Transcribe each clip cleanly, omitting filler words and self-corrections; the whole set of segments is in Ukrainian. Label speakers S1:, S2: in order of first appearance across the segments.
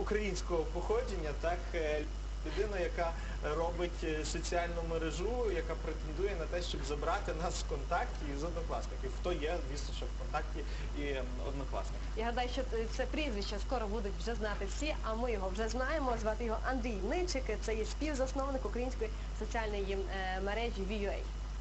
S1: українського походження, так, людина, яка робить соціальну мережу, яка претендує на те, щоб забрати нас з ВКонтакті і з Однокласників. Хто є, звісно, що ВКонтакті і Однокласники.
S2: Я гадаю, що це прізвище скоро будуть вже знати всі, а ми його вже знаємо. Звати його Андрій Ничик, це є співзасновник української соціальної мережі VUA.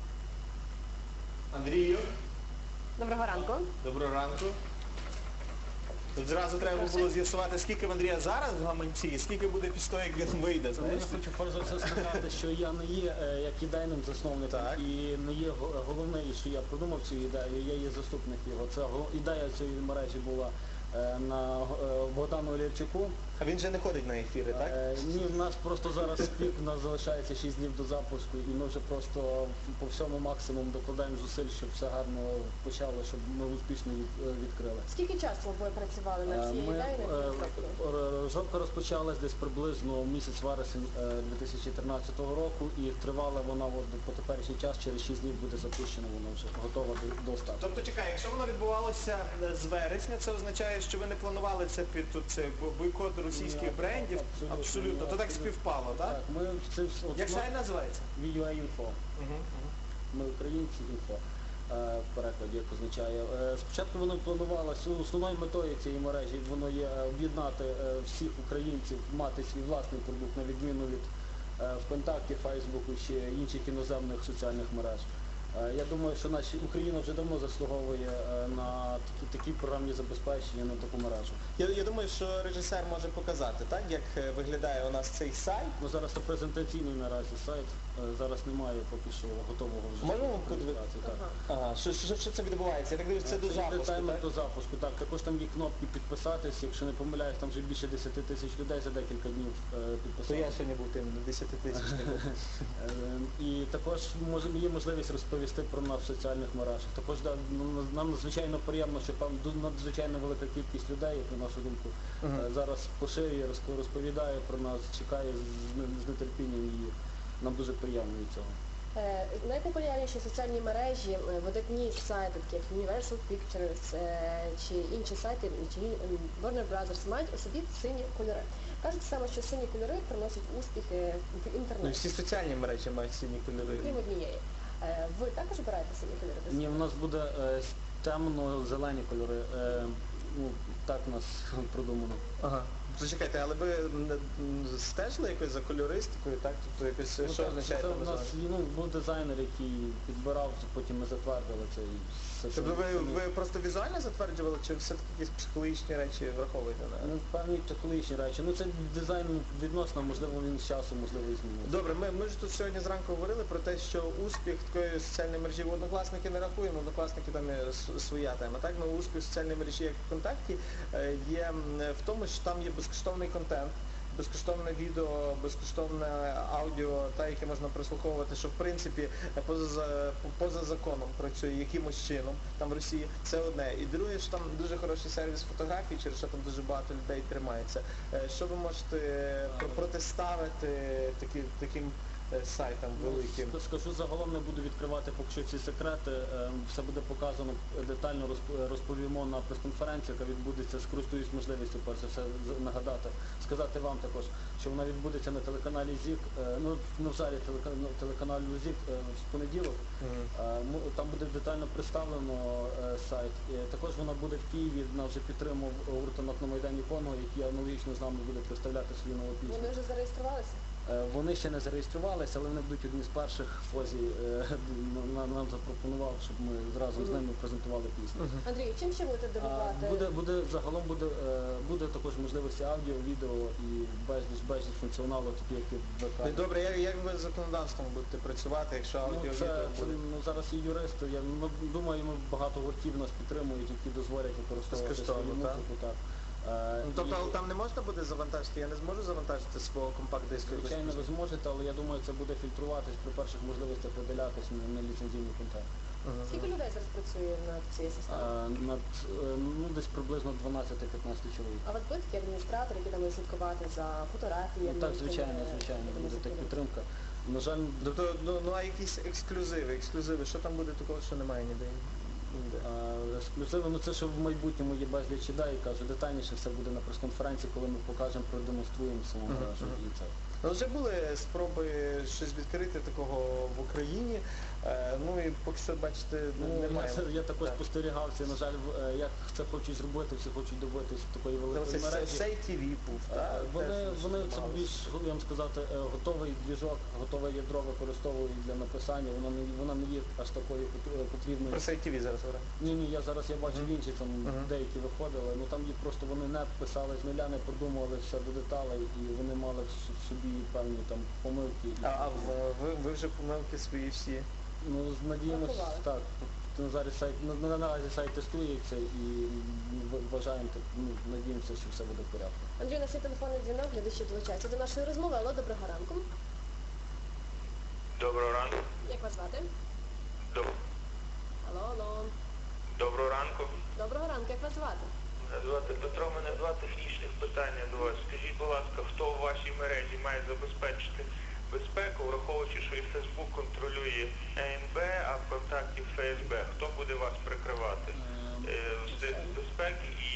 S1: Андрію,
S2: Доброго ранку.
S1: доброго ранку. Тут зразу треба було з'ясувати, скільки в Андрія зараз в гаманці, і скільки буде після того, як він вийде.
S3: Я
S1: Знаєш?
S3: хочу перш за все сказати, що я не є як ідейним засновником
S1: Так.
S3: і не є головний, що я придумав цю ідею, я є заступник його. Це ідея цієї мережі була на Богдану Олєвчуку.
S1: А він же не ходить на ефіри, так?
S3: Ні, в нас просто зараз пік, у нас залишається 6 днів до запуску, і ми вже просто по всьому максимуму докладаємо зусиль, щоб все гарно почало, щоб ми успішно відкрили.
S2: Скільки часу ви працювали над цією ідеєю?
S3: Розробка розпочалась десь приблизно місяць вересень 2013 року і тривала вона по теперішній час, через 6 днів буде запущена, вона вже готова до старту.
S1: Тобто, чекай, якщо воно відбувалося з вересня, це означає, що ви не планували це під це бойкот російських брендів? Абсолютно. То так співпало, так?
S3: Так, ми це
S1: Як сайт називається?
S3: VUA Info. Ми українці інфо. В перекладі, як означає. Спочатку воно планувалося, основною метою цієї мережі воно є об'єднати всіх українців, мати свій власний продукт, на відміну від ВКонтакті, Фейсбуку чи інших іноземних соціальних мереж. Я думаю, що Україна вже давно заслуговує на такі програмні забезпечення, на таку мережу.
S1: Я думаю, що режисер може показати, так, як виглядає у нас цей сайт.
S3: Ну, зараз це презентаційний наразі сайт, зараз немає поки що готового вже.
S1: Можемо
S3: презентації, так.
S1: Ага, що це відбувається? Я так дивлюся, це до запуску,
S3: таймер
S1: так?
S3: до запуску, так. Також там є кнопки підписатись, якщо не помиляюсь, там вже більше 10 тисяч людей за декілька днів
S1: То
S3: підписалися.
S1: я сьогодні був тим 10 тисяч.
S3: І також є можливість розповісти про нас в соціальних мережах. Також нам надзвичайно приємно, що там надзвичайно велика кількість людей, як на нашу думку, зараз поширює, розповідає про нас, чекає з нетерпінням і нам дуже приємно від цього.
S2: Найпопулярніші соціальні мережі, видатні сайти, такі як Universal Pictures чи інші сайти, чи Warner Brothers, мають у собі сині кольори. Кажуть саме, що сині кольори приносять успіхи в
S1: Ну,
S2: інтернеті,
S1: всі соціальні мережі мають сині кольори.
S2: крім однієї. Ви також обираєте сині кольори?
S3: Ні, у нас буде темно-зелені кольори. Так у нас продумано.
S1: Ага. Зачекайте, але ви стежили якось за кольористикою, так? Тобто якось, що означає
S3: це
S1: там
S3: у нас був дизайнер, який підбирав, потім ми затвердили це.
S1: Тобто ви просто візуально затверджували, чи все-таки якісь психологічні речі враховуєте?
S3: Ну, певні психологічні речі. Ну, це дизайн відносно, можливо, він з часом, можливо, і зміниться.
S1: Добре, ми ж тут сьогодні зранку говорили про те, що успіх такої соціальної мережі в Однокласники не рахуємо, Однокласники там є своя тема. Так, ну успіх соціальної мережі, як ВКонтакті, є в тому, що там є безкоштовний контент, безкоштовне відео, безкоштовне аудіо, яке можна прослуховувати, що в принципі поза законом працює якимось чином там в Росії. Це одне. І друге, що там дуже хороший сервіс фотографій, через що там дуже багато людей тримається. Що ви можете протиставити таким сайтам великим?
S3: Скажу, загалом не буду відкривати поки що ці секрети. Все буде показано, детально розповімо на прес-конференції, яка відбудеться, скористуюсь можливістю перш за все нагадати, сказати вам також, що вона відбудеться на телеканалі ЗІК, ну в залі телеканалу ЗІК в понеділок. Там буде детально представлено сайт. Також вона буде в Києві, вона вже підтримав гурток на Майдані Конго, який аналогічно з нами буде представляти свою нову пісню.
S2: Вони вже зареєструвалися?
S3: Вони ще не зареєструвалися, але вони будуть одні з перших. Фозі нам запропонував, щоб ми зразу з ними презентували пісню.
S2: Андрій, чим ще будете дивувати?
S3: Загалом буде також можливості аудіо, відео і безліч функціоналу, такі як і в ВК.
S1: Добре, як ви з законодавством будете працювати, якщо аудіо, відео буде?
S3: Зараз є юристи, я думаю, багато гуртів нас підтримують, які дозволять використовувати свою музику.
S1: Тобто там не можна буде завантажити, я не зможу завантажити свого компакт-диску?
S3: Звичайно, ви зможете, але я думаю, це буде фільтруватись при перших можливостях видалятись на ліцензійний контент.
S2: Скільки людей зараз працює над цією системою?
S3: Десь приблизно 12-15 чоловік.
S2: А от ви такі адміністратори, які там будуть слідкувати за фотографіями?
S3: Так, звичайно, буде так підтримка. На жаль,
S1: а якісь ексклюзиви, що там буде такого, що немає ніде?
S3: ексклюзиви, ну це ще в майбутньому є безліч ідей, кажу, детальніше все буде на прес-конференції, коли ми покажемо, продемонструємо саму мережу і це.
S1: Ну, вже були спроби щось відкрити такого в Україні, ну і поки що, бачите, немає.
S3: Я також
S1: Так.
S3: спостерігав це, на жаль, як це хочуть зробити, всі хочуть добитись такої великої мережі.
S1: Цей ТВ був, так?
S3: Вони це більш, я вам сказати, готовий двіжок, готове ядро використовують для написання, вона не є аж такою потрібною.
S1: Про цей ТВ зараз говоримо.
S3: Ні, я зараз бачу інші там деякі виходили, ну там є просто вони не писали з нуля, не продумували все до деталей і вони мали в собі певні там помилки.
S1: А ви вже помилки свої всі?
S3: Ну, надіємося,
S2: Врахували.
S3: так. Наразі сайт тестується і вважаємо, надіємося, що все буде в порядку.
S2: Андрій, у нас є телефонний дзвінок, глядачі долучаються до нашої розмови. Алло, доброго ранку.
S4: Доброго ранку.
S2: Як вас звати? Алло.
S4: Доброго ранку.
S2: Доброго ранку, як вас звати?
S4: Мене звати Петро, мене два технічних питання до вас. Скажіть, будь ласка, хто в вашій мережі має забезпечити безпеку, враховуючи, що і Facebook контролює ЕНБ, а ВКонтакті ФСБ. Хто буде вас прикривати з безпеки і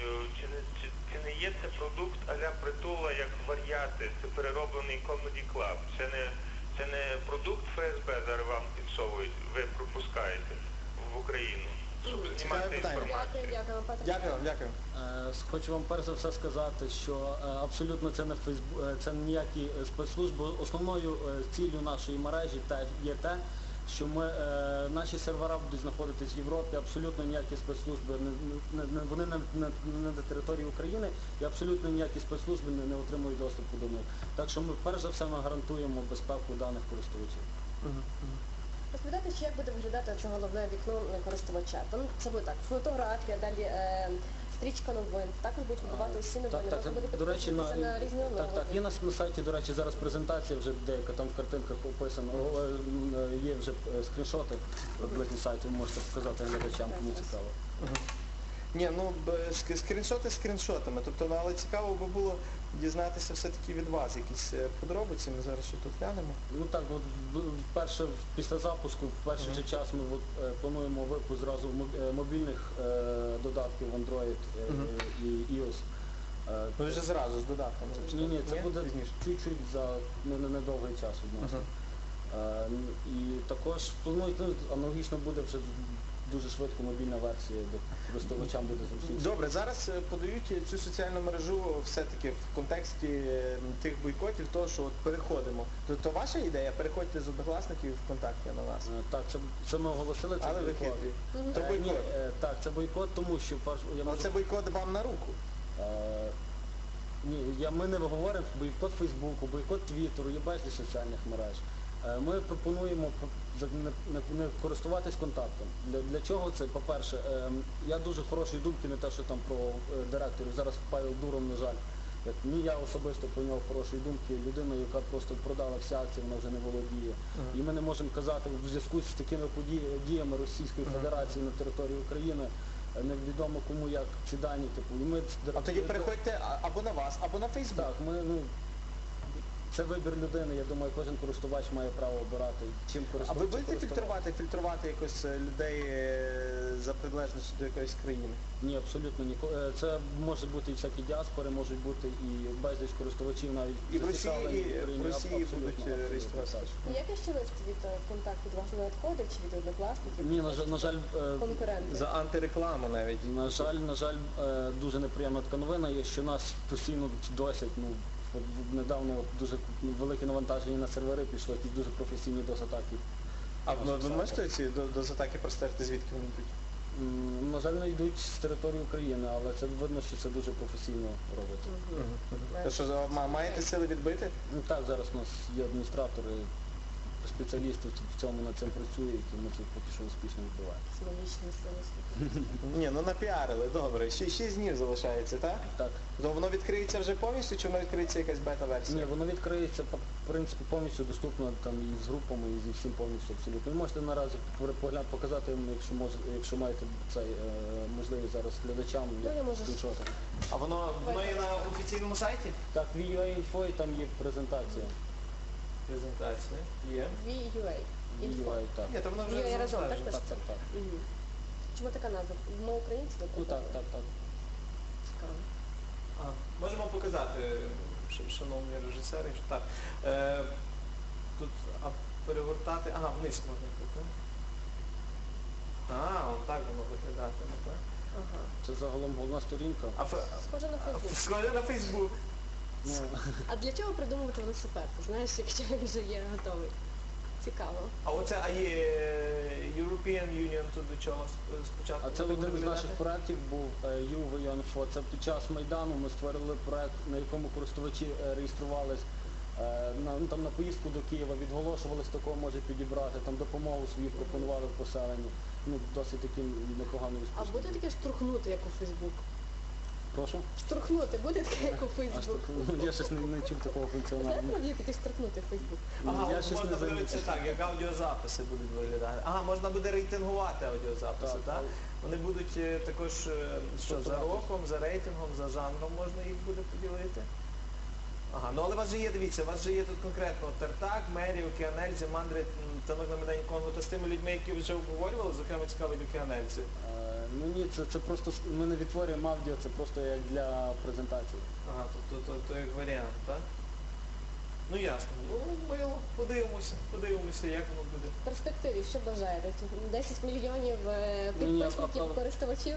S4: чи не є це продукт а-ля Притула як варіати, це перероблений Comedy Club? Це не продукт ФСБ зараз вам підсовують, ви пропускаєте в Україну. Щоб знімати
S1: питання.
S4: інформацію.
S2: Дякую, Петро.
S1: Дякую.
S3: Хочу вам перш за все сказати, що абсолютно це не це ніякі спецслужби. Основною ціллю нашої мережі є те, що наші сервера будуть знаходитись в Європі, абсолютно ніякі спецслужби, вони не на території України і абсолютно ніякі спецслужби не отримують доступу до них. Так що ми перш за все ми гарантуємо безпеку даних користувачів.
S2: Розповідайте, ще як буде виглядати це головне вікно користувача. Там це буде так, фотографія, далі стрічка новин. Також будуть видавати усі новини. Можна буде
S3: До речі,
S2: підписатися на різні
S3: так, є на сайті, до речі, зараз презентація вже деяка, там в картинках описано, є вже скріншоти, приблизні сайти, ви можете показати глядачам, кому цікаво.
S1: Ні, ну скріншоти скріншотами, тобто, ну, але цікаво би було дізнатися все-таки від вас якісь подробиці, ми зараз ще тут глянемо.
S3: Ну так, от вперше після запуску, в перший же час ми плануємо випуск зразу мобільних додатків Android і iOS.
S1: Ну вже зразу з додатком.
S3: Ні, це буде
S1: пізніше.
S3: чуть-чуть за недовгий час відносно. І також планують, аналогічно буде вже дуже швидко мобільна версія, де користувачам буде зручніше.
S1: Добре, зараз подають цю соціальну мережу все-таки в контексті тих бойкотів, того, що от переходимо. То ваша ідея, переходьте з однокласників ВКонтакті на нас.
S3: Так, це ми оголосили, це
S1: Але ви
S3: бойкот.
S1: хитрі. То бойкот.
S3: Так, це бойкот, тому що я
S1: Але
S3: можу...
S1: це бойкот вам на руку.
S3: Ні, ми не говоримо бойкот Фейсбуку, бойкот Твіттеру, є безліч соціальних мереж. Ми пропонуємо не користуватись контактом. Для чого це? По-перше, я дуже хорошої думки, не те, що там про директорів. Зараз Павел Дуров, на жаль, ні я особисто про нього хорошої думки, людина, яка просто продала всі акції, вона вже не володіє. І ми не можемо казати, в зв'язку з такими діями Російської Федерації на території України, невідомо кому як ці дані,
S1: А тоді переходьте або на вас, або на Фейсбук.
S3: Так, це вибір людини, я думаю, кожен користувач має право обирати, чим
S1: А ви
S3: користуватися.
S1: будете фільтрувати якось людей за приналежністю до якоїсь країни?
S3: Ні, абсолютно ні. Це може бути і всякі діаспори, можуть бути і безліч користувачів навіть
S1: І в Росії,
S3: зацікавлені
S1: і в
S3: Україні.
S1: Росії
S3: Абсолютно,
S1: будуть
S3: абсолютно,
S1: реєструватися.
S3: так.
S2: Який ще лист від контакту до вас не надходить, чи від однокласників?
S3: Ні, на жаль,
S2: Конкуренти.
S1: За антирекламу навіть.
S3: на жаль, дуже неприємна така новина є, що нас постійно досять, недавно дуже велике навантаження на сервери пішло, якісь дуже професійні DOS-атаки.
S1: А ви можете ці дозатаки простежити, звідки вони йдуть?
S3: На жаль, не йдуть з території України, але це видно, що це дуже професійно робиться.
S1: То що, маєте сили відбити?
S3: Ну так, зараз у нас є адміністратори, спеціалісти в цьому над цим працюють, і ми це поки що успішно відбуваємо.
S2: Символічні сили.
S1: Ні, ну напіарили, добре. 6 днів залишається, так?
S3: Так.
S1: То воно відкриється вже повністю, чи воно відкриється якась бета-версія?
S3: Ні, воно відкриється, в принципі, повністю доступно там і з групами, і зі всім повністю абсолютно. Ви можете наразі показати, якщо маєте можливість зараз глядачам,
S2: я
S3: як
S2: можу.
S3: включати.
S1: А воно є на офіційному сайті?
S3: Так, в UA там є презентація.
S1: Презентація. Є.
S2: VUA.
S3: UA, так.
S1: Ні, то воно
S2: Є
S1: вже
S2: разом, так?
S3: Так, так, так.
S2: Мгм. Чому така назва? Ми українці?
S3: Ну
S2: наприклад?
S3: так.
S2: Цікаво.
S1: Можемо показати, шановні режисери, що так. Тут перегортати. Ага, вниз можна тут. Так воно виглядатиме, так?
S2: Ага.
S3: Це загалом головна сторінка.
S2: Схоже на Фейсбук.
S1: Схоже на Фейсбук.
S3: Ну,
S2: А для чого придумувати велосипед? Ти знаєш, якщо він вже є готовий. Цікаво.
S1: А є European Union тут до чого спочатку?
S3: А це
S1: буде
S3: один з
S1: виглядати?
S3: наших проєктів був YouVion4. Це під час Майдану ми створили проєкт, на якому користувачі реєструвались там на поїздку до Києва, відголошували, з такого може підібрати, там допомогу свою пропонували в поселенні. Досить таким непоганим
S2: А
S3: успішним.
S2: буде таке штурхнути, як у Фейсбук?
S3: Прошу?
S2: Штурхнути буде таке, як у Фейсбук?
S3: Я щось не чув такого функціоналу.
S2: Знаєте, як таке штурхнути в Фейсбук?
S3: Я
S1: От
S3: щось
S1: можна
S3: не
S1: подивитися
S3: замітив.
S1: так, як аудіозаписи будуть виглядати. Можна буде рейтингувати аудіозаписи,
S3: Так,
S1: так? Вони будуть також за роком, за рейтингом, за жанром можна їх буде поділити. Але у вас же є, дивіться, у вас же є тут конкретно Тартак, Мері, Океанельзи, Мандри, Танок на Медані Конго, то з тими людьми, які вже обговорювали, зокрема цікаві Океанельзи.
S3: Ні, це просто ми не відтворюємо аудіо, це просто як для презентації.
S1: То як варіант, так? Ну ясно. Мило, подивимося, як воно буде.
S2: В перспективі, що бажаєте? 10 мільйонів підписників, користувачів?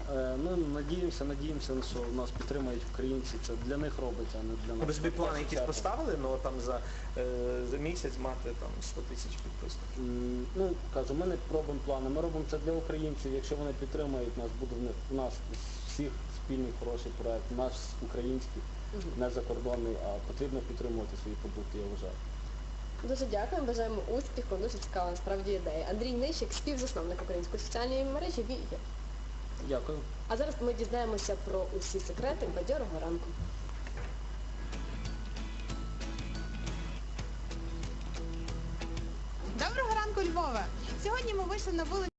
S3: Надіємося, що нас підтримують українці. Це для них робиться, а не для нас.
S1: Ви собі плани якісь поставили, там за місяць мати 100 тисяч підписників?
S3: Кажу, ми не робимо плани, ми робимо це для українців. Якщо вони підтримують нас, буде в нас всіх спільний хороший проект, наш український, не закордонний, а потрібно підтримувати свої продукти, я вважаю.
S2: Дуже дякуємо, бажаємо успіху, дуже цікава насправді ідея. Андрій Нищик, співзасновник української соціальної мережі «Віє».
S3: Дякую.
S2: А зараз ми дізнаємося про усі секрети бадьорого ранку.
S5: Доброго ранку, Львове! Сьогодні ми вийшли на вулицю